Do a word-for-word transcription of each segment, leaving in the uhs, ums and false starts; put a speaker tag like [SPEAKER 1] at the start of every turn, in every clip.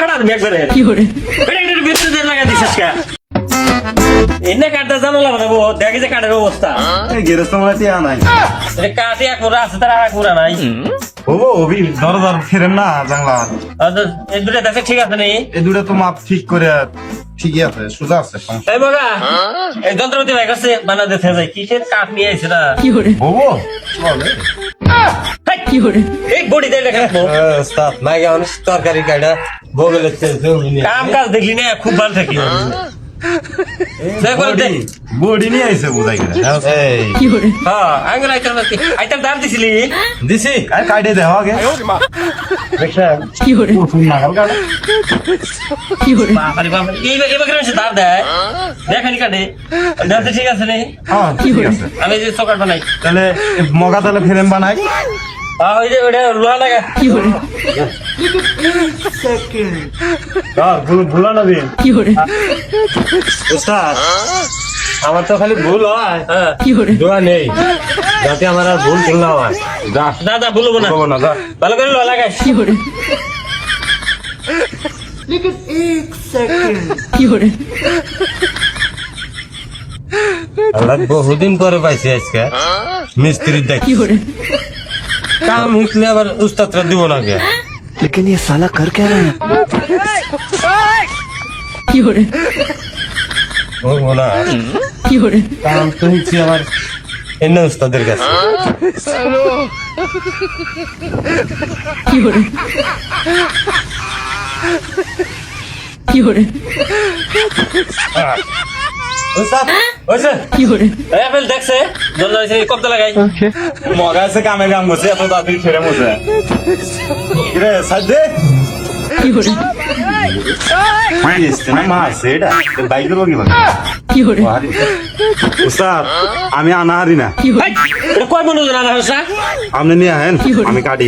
[SPEAKER 1] ফাড়ার bag করে
[SPEAKER 2] কি করে
[SPEAKER 1] এটা একটা বিদ্যুৎ দিয়ে লাগা দিছিস কা এনে কাটটা জানালা বানাবো দেখি যে কাটের অবস্থা
[SPEAKER 3] এই গেরস্ত মানে টিয়া নাই
[SPEAKER 1] এটা কাটে এক মোড়া আছে তার এক মোড়া নাই
[SPEAKER 3] ওবো ওবি ধর ধর ফেরেন না জানলা
[SPEAKER 1] আচ্ছা, এই দুটো দেখে ঠিক আছে নি
[SPEAKER 3] এই দুটো তো মাপ ঠিক করে ঠিকই আছে সোজা আছে
[SPEAKER 1] এই বাবা এই যন্ত্রপাতি ভাই কাছে বানা দিতে যাই কিসের কাঠ নিয়ে আইছে না
[SPEAKER 2] কি করে
[SPEAKER 3] ওবো চলে
[SPEAKER 2] কি করে
[SPEAKER 1] এই বডি দিয়ে দেখাবো
[SPEAKER 4] ওস্তাদ মাইগা অনেক তরকারি কাটা বগলে জমি নিয়ে
[SPEAKER 1] কাম কাজ দেখলি না খুব ভালো থাকি দেখো দে
[SPEAKER 3] বডি নিয়ে আইছে বুঝাই গেলে
[SPEAKER 4] এই
[SPEAKER 2] কি করে
[SPEAKER 1] হ্যাঁ আঙ্গুল আইতাম না আইতাম দাম দিছিলি
[SPEAKER 4] দিছি
[SPEAKER 3] আরে কাটে দেও আগে দেখছেন
[SPEAKER 2] কি করে
[SPEAKER 3] ফোন না কাল কাটা
[SPEAKER 2] কি করে
[SPEAKER 1] বাবারে বাবা এই এবার কেন সে দাম দেয় দেখানি কাটে দাম ঠিক আছে রে
[SPEAKER 3] হ্যাঁ ঠিক আছে
[SPEAKER 1] আমি যে চকাট বানাই
[SPEAKER 3] তাহলে এই মগা তাহলে ফ্রেম বানাই
[SPEAKER 1] হ্যাঁ ওই যে ওটা লোহা লাগা
[SPEAKER 2] কি করে
[SPEAKER 3] হ্যাঁ ভুল ভুলা না দিন
[SPEAKER 2] কি করে
[SPEAKER 4] ওস্তাদ আমার তো খালি ভুল হয়
[SPEAKER 1] হ্যাঁ
[SPEAKER 2] কি করে
[SPEAKER 4] দোয়া নেই যাতে আমার আর ভুল ভুল না হয়
[SPEAKER 3] যা
[SPEAKER 1] দাদা বলবো না
[SPEAKER 3] বলবো না যা
[SPEAKER 1] ভালো করে লোহা লাগাই
[SPEAKER 2] কি করে কি করে
[SPEAKER 4] আমরা বহুদিন পরে পাইছি আজকে মিস্ত্রির দেখ
[SPEAKER 2] কি করে
[SPEAKER 4] কাম হিকলে আবার উস্তাদরা দিব না কে
[SPEAKER 5] लेकिन ये साला कर क्या रहा है
[SPEAKER 2] কি করে
[SPEAKER 4] ও না
[SPEAKER 2] কি করে
[SPEAKER 4] কাম তো হিকছি আবার এনে উস্তাদের কাছে
[SPEAKER 2] কি করে কি করে
[SPEAKER 4] উস্তাদ ওইছে
[SPEAKER 1] কি করে আপেল দেখছে জন্য হইছে কবদা লাগাই
[SPEAKER 3] মগা আছে কামে কাম করছে এত তাড়াতাড়ি ফেরে মজা রে সাজে
[SPEAKER 2] কি করে
[SPEAKER 3] এসছে না মা আছে এটা বাইক দেবো কি
[SPEAKER 2] কি করে
[SPEAKER 3] উস্তাদ আমি আনা হারি না
[SPEAKER 2] কি করে
[SPEAKER 1] এটা কয় মনে জানা হইছে
[SPEAKER 3] আপনি নিয়ে আহেন
[SPEAKER 2] কি করে?
[SPEAKER 3] আমি কাটি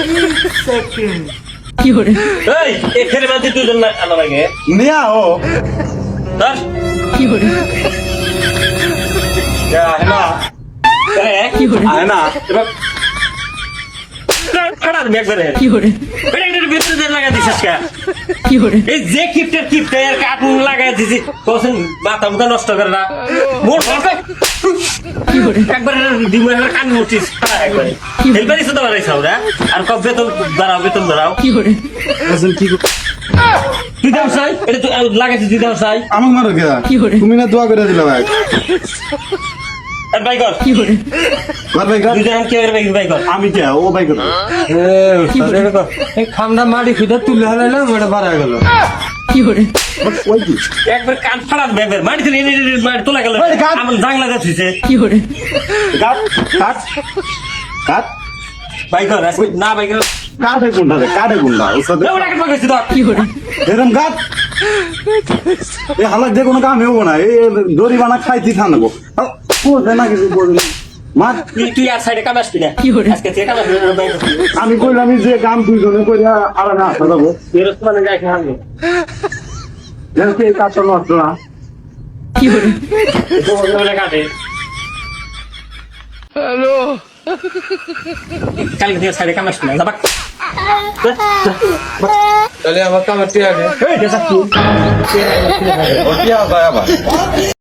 [SPEAKER 2] কি করে
[SPEAKER 1] এই এই ফেরে মাঝে দুজন না আনা লাগে
[SPEAKER 3] নিয়ে আও
[SPEAKER 1] ধর
[SPEAKER 2] কি করে
[SPEAKER 3] আহে না
[SPEAKER 1] এ
[SPEAKER 2] কি করে
[SPEAKER 3] আহে না
[SPEAKER 1] এবার ফাড়ার ব্যাগ করে
[SPEAKER 2] কি করে
[SPEAKER 1] এটা একটা বিদ্যুৎ দিয়ে লাগা দিছিস কা
[SPEAKER 2] কি করে
[SPEAKER 1] এই যে কিপটের কিপটে আর কার্টুন লাগাই দিছি কোসেন মাথা মুথা নষ্ট করে না মোর ফাঁকা
[SPEAKER 2] কি করে
[SPEAKER 1] একবার দিমে কান মুটিস একবারে হেলবারি সুদা বাড়াইছাও রে আর কবে বেতন দাঁড়াও বেতন দাঁড়াও
[SPEAKER 2] কি করে
[SPEAKER 3] বলছেন কি
[SPEAKER 1] তুই দাও চাই এটা তুই লাগাইছিস তুই দাও চাই
[SPEAKER 3] আমাকে মারো কে
[SPEAKER 2] কি করে?
[SPEAKER 3] তুমি না দোয়া করে দিলা ভাই
[SPEAKER 1] আর বাই কর
[SPEAKER 2] কি করে
[SPEAKER 3] কর ভাই কর
[SPEAKER 1] দুজন কে বাই বাই কর
[SPEAKER 3] আমি কে ও ভাই কর
[SPEAKER 4] এ উস্তাদ এরকম এই খামটা মাটি খুঁজে তুলে হারাইলাম ওটা বাড়া গেল
[SPEAKER 2] কি করে
[SPEAKER 3] ওই কি
[SPEAKER 1] একবার কান ফাড়ার ব্যাগের মাটি থেকে এনে মাটি তোলা গেল
[SPEAKER 3] ওই কাট।
[SPEAKER 1] আমার জাংলা যাচ্ছে
[SPEAKER 2] কি করে
[SPEAKER 3] কাট কাট কাট
[SPEAKER 1] বাই কর আজকে না বাই কর
[SPEAKER 3] কাটে গুন্ডা রে কাটে গুন্ডা উস্তাদ
[SPEAKER 1] ওটাকে পাকাইছি তো
[SPEAKER 2] কি করে
[SPEAKER 3] এরকম কাট এই হালাক যে কোনো কাম হবো না এই দড়ি বানা খাইতে থাকবো বুঝে না কিছু বুঝে মার
[SPEAKER 1] তুই তুই আর সাইডে কামাস কিনা
[SPEAKER 2] কি করে?
[SPEAKER 1] আজকে থেকে কামাস বাই কর
[SPEAKER 3] আমি কইলাম আমি যে কাম দুইজনে কইরা আর না আসা যাবো
[SPEAKER 1] বেরোস মানে যাই খাবো
[SPEAKER 3] যেন কি এই কাজটা নষ্ট না
[SPEAKER 2] কি করে
[SPEAKER 1] বলে কাটে হ্যালো কালকে থেকে সাইডে কামাস কিনা যাবাক
[SPEAKER 4] তাহলে আমার কামার টিয়া দে
[SPEAKER 1] এই দেখ
[SPEAKER 4] ও টিয়া আবার